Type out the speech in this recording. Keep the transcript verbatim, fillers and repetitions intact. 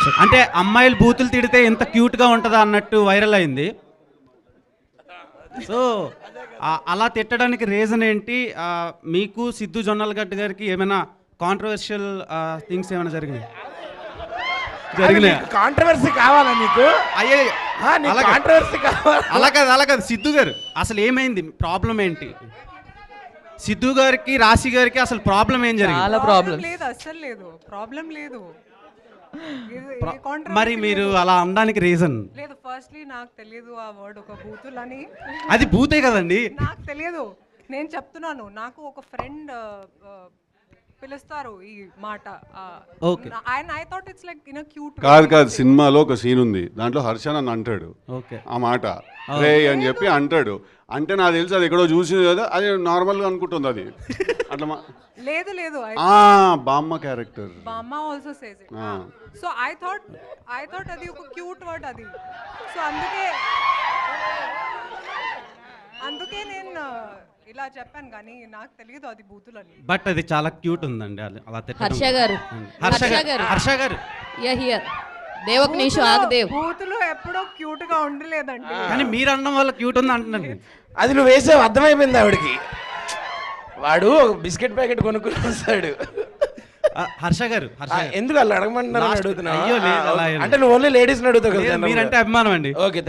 అంటే అమ్మాయిలు బూతులు తిడితే ఎంత క్యూట్గా ఉంటుందా అన్నట్టు వైరల్ అయింది. సో అలా తిట్టడానికి రీజన్ ఏంటి? ఆ, మీకు సిద్ధు జొన్నలగడ్డ గారికి ఏమైనా కాంట్రవర్షియల్ థింగ్స్ ఏమైనా జరిగినాయి? జరిగినాయి కాంట్రవర్సీ కావాలా నీకు? అయ్యే ఆ, నీకు కాంట్రవర్సీ కావాలా? అలా కాదు అలా కాదు సిద్ధు గారు అసలు ఏమైంది? ప్రాబ్లం ఏంటి? సిద్ధు గారికి రాశి గారికి అసలు ప్రాబ్లం ఏం జరిగింది? చాలా ప్రాబ్లం లేదు, అస్సలు లేదు, ప్రాబ్లం లేదు. ఇది- ప్ర- ఏ controversy మరి మీరు లేదు. అలా అనడానికి రీజన్? లేదు, ఫస్ట్లీ నాకు తెలియదు ఆ వర్డ్ ఒక బూతులని. అది భూతే కదండి. నాకు తెలియదు, నేను చెప్తున్నాను. నాకు ఒక ఫ్రెండ్ పిలుస్తారు ఈ మాట. Okay. ఆయన I thought it's like in cute. కాదు కాదు సినిమాలో ఒక సీన్ ఉంది, దాంట్లో హర్ష నన్ను అంటాడు ఓకే ఆ మాట రే అని చెప్పి అంటాడు. అంటే నాకు తెలిసి అది ఎక్కడో చూసింది కదా, అది నార్మల్గా అనుకుంటుంది అది అట్లా మా- లేదు లేదు, ఆ, బామ్మ క్యారెక్టర్ బామ్మ also says it. So I thought I thought అది ఒక క్యూట్ వర్డ్ అది. సో అందుకే అందుకే నేను ఇలా చెప్పాను, కానీ నాకు తెలియదు అది బూతులని. బట్ అది చాలా క్యూట్ ఉందండి అది అలా తిట్టడం. హర్ష గారు హర్ష హర్ష గారు గారు హర్ష గారు యా హియర్ దేవక్ నీషు ఆగదేవ్ బూతులు ఎప్పుడో క్యూట్ గా ఉండలేదండి. కానీ మీరు అనడం వల్ల క్యూట్ ఉంది అంటున్నాను. అది నువ్వు వేసావు, అర్థమైపోయింది ఆవిడకి. వాడు ఒక బిస్కెట్ ప్యాకెట్ కొనుక్కుని వస్తాడు. ఆ, హర్ష గారు హర్ష ఆ, గారు. ఎందుకు వాళ్ళు అడగమంటున్నారు Last- అడుగుతున్నా? అయ్యో, లేదు, అలా ఏం అంటే నువ్వు ఓన్లీ లేడీస్ని అడుగుతావు లేదు, కదా. మీరంటే అభిమానం అండి. ఓకే.